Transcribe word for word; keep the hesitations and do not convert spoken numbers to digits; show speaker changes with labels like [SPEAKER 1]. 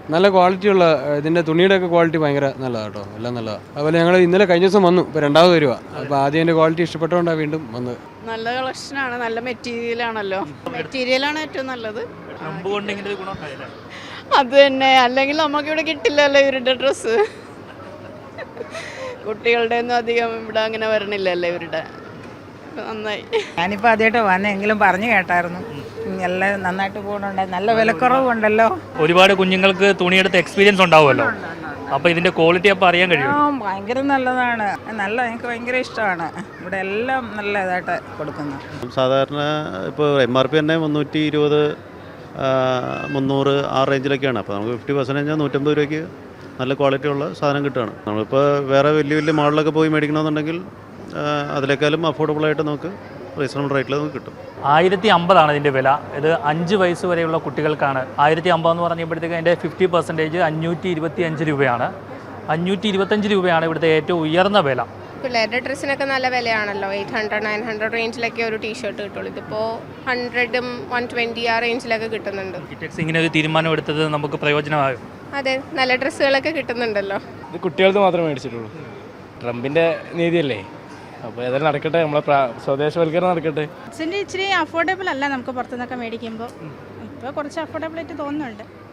[SPEAKER 1] നല്ല ക്വാളിറ്റിയുള്ള ഇതിൻ്റെ തുണിയുടെയൊക്കെ ക്വാളിറ്റി ഭയങ്കര നല്ലതാണ് കേട്ടോ, എല്ലാം നല്ലതാണ്. അതുപോലെ ഞങ്ങൾ ഇന്നലെ കഴിഞ്ഞ ദിവസം വന്നു, ഇപ്പോൾ രണ്ടാമത് വരിക. അപ്പോൾ ആദ്യം എൻ്റെ ക്വാളിറ്റി ഇഷ്ടപ്പെട്ടുകൊണ്ടാണ് വീണ്ടും വന്നത്.
[SPEAKER 2] നല്ല കളക്ഷനാണ്, നല്ല മെറ്റീരിയലാണല്ലോ. മെറ്റീരിയലാണ് ഏറ്റവും നല്ലത്. അത് തന്നെ, അല്ലെങ്കിൽ നമുക്കിവിടെ കിട്ടില്ലല്ലോ ഇവരുടെ ഡ്രസ്സ്. കുട്ടികളുടെ ഒന്നും അധികം ഇവിടെ അങ്ങനെ വരണില്ലല്ലോ ഇവരുടെ. നന്നായി.
[SPEAKER 3] ഞാനിപ്പോൾ ആദ്യമായിട്ട് വന്നെങ്കിലും പറഞ്ഞു കേട്ടായിരുന്നു എല്ലാം നന്നായിട്ട് പോകുന്നുണ്ട്, നല്ല വിലക്കുറവുണ്ടല്ലോ.
[SPEAKER 4] ഒരുപാട് കുഞ്ഞുങ്ങൾക്ക് തുണിയെടുത്ത് എക്സ്പീരിയൻസ് ഉണ്ടാവുമല്ലോ, അപ്പോൾ ഇതിൻ്റെ ക്വാളിറ്റി അപ്പോൾ അറിയാൻ കഴിയും.
[SPEAKER 3] ആ ഭയങ്കര നല്ലതാണ്, നല്ല എനിക്ക് ഭയങ്കര ഇഷ്ടമാണ്. ഇവിടെ എല്ലാം നല്ല ഇതായിട്ട് കൊടുക്കുന്നു.
[SPEAKER 5] സാധാരണ ഇപ്പോൾ എം ആർ പി തന്നെ മുന്നൂറ്റി ഇരുപത് മുന്നൂറ് ആ റേഞ്ചിലൊക്കെയാണ്. അപ്പോൾ നമുക്ക് ഫിഫ്റ്റി പെർസെൻറ്റേജ് നൂറ്റമ്പത് രൂപയ്ക്ക് നല്ല ക്വാളിറ്റി ഉള്ള സാധനം കിട്ടുകയാണ്. നമ്മളിപ്പോൾ വേറെ വലിയ വലിയ മാളിലൊക്കെ പോയി മേടിക്കണമെന്നുണ്ടെങ്കിൽ അതിലേക്കാളും അഫോർഡബിളായിട്ട് നമുക്ക് റീസണബിൾ റേറ്റിൽ നമുക്ക് കിട്ടും.
[SPEAKER 4] ആയിരത്തി അമ്പതാണ് ഇതിൻ്റെ വില. ഇത് അഞ്ച് വയസ്സ് വരെയുള്ള കുട്ടികൾക്കാണ്. ആയിരത്തി അമ്പതെന്ന് പറയുമ്പോഴത്തേക്ക് അതിൻ്റെ ഫിഫ്റ്റി പെർസെൻറ്റേജ് അഞ്ഞൂറ്റി ഇരുപത്തി അഞ്ച് രൂപയാണ്. അഞ്ഞൂറ്റി ഇരുപത്തഞ്ച് രൂപയാണ് ഇവിടുത്തെ ഏറ്റവും ഉയർന്ന വില.
[SPEAKER 6] പിള്ളേരുടെ ഡ്രസ്സിനൊക്കെ നല്ല വിലയാണല്ലോ. എയ്റ്റ് ഹൺഡ്രഡ് നയൻ ഹൺഡ്രഡ് റേഞ്ചിലൊക്കെ ഒരു ടീഷർട്ട് കിട്ടുള്ളൂ. ഇതിപ്പോൾ ഹൺഡ്രഡും വൺ ട്വൻറ്റി ആ റേഞ്ചിലൊക്കെ കിട്ടുന്നുണ്ട്.
[SPEAKER 4] കിറ്റക്സ് ഇങ്ങനെ ഒരു തീരുമാനം എടുത്തത് നമുക്ക് പ്രയോജനമാകും.
[SPEAKER 6] അതെ, നല്ല ഡ്രസ്സുകളൊക്കെ കിട്ടുന്നുണ്ടല്ലോ.
[SPEAKER 7] ഇത് കുട്ടികൾക്ക് മാത്രമേ മേടിച്ചിട്ടുള്ളൂ. ട്രംപിൻ്റെ നീതിയല്ലേ, അപ്പോൾ ഏതായാലും നടക്കട്ടെ, നമ്മളെ സ്വദേശവൽക്കരണം നടക്കട്ടെ.
[SPEAKER 8] ഇച്ചിരി അഫോർഡബിൾ അല്ല നമുക്ക് പുറത്തുനിന്നൊക്കെ മേടിക്കുമ്പോൾ. ഇപ്പോൾ കുറച്ച് അഫോർഡബിൾ ആയിട്ട് തോന്നുന്നുണ്ട്.